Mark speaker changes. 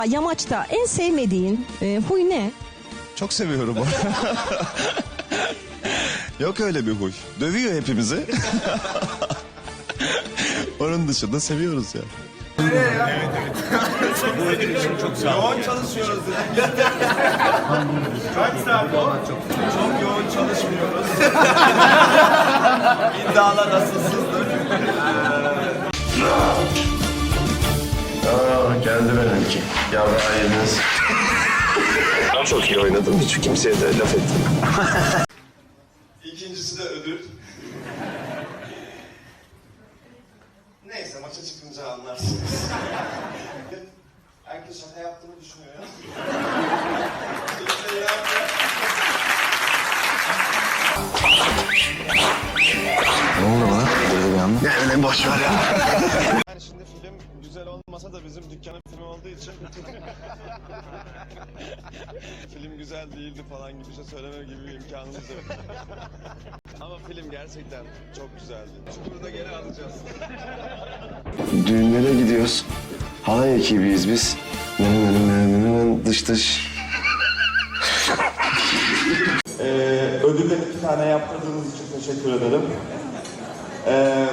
Speaker 1: Yamaçta en sevmediğin huy ne?
Speaker 2: Çok seviyorum onu. Yok öyle bir huy. Dövüyor hepimizi. Onun dışında seviyoruz ya.
Speaker 3: Yoğun çalışıyoruz. Kaç saat o? Çok yoğun çalışmıyoruz. İddialar asılsızdır.
Speaker 4: Geldi benimki. Yavru yediniz. Çok iyi oynadım. Hiç kimseye de laf ettim.
Speaker 3: İkincisi de ödül. Neyse maça çıkınca anlarsınız. Herkes şaka yaptığımı düşünüyor ya. Kimse inanmıyor.
Speaker 2: Ne oldu bana? Böyle bir anda.
Speaker 4: Ne öyle boş ver ya.
Speaker 3: Yani şimdi film güzel olmasa da bizim dükkanın filmi olduğu için film güzel değildi falan gibi bir şey söyleme gibi bir imkanımız yok. Ama film gerçekten çok güzeldi. Çukur'u da geri alacağız.
Speaker 4: Düğünlere gidiyoruz. Halay ekibiyiz biz. Dış dış.
Speaker 3: Ödülleri 2 tane yaptırdığınız için teşekkür ederim.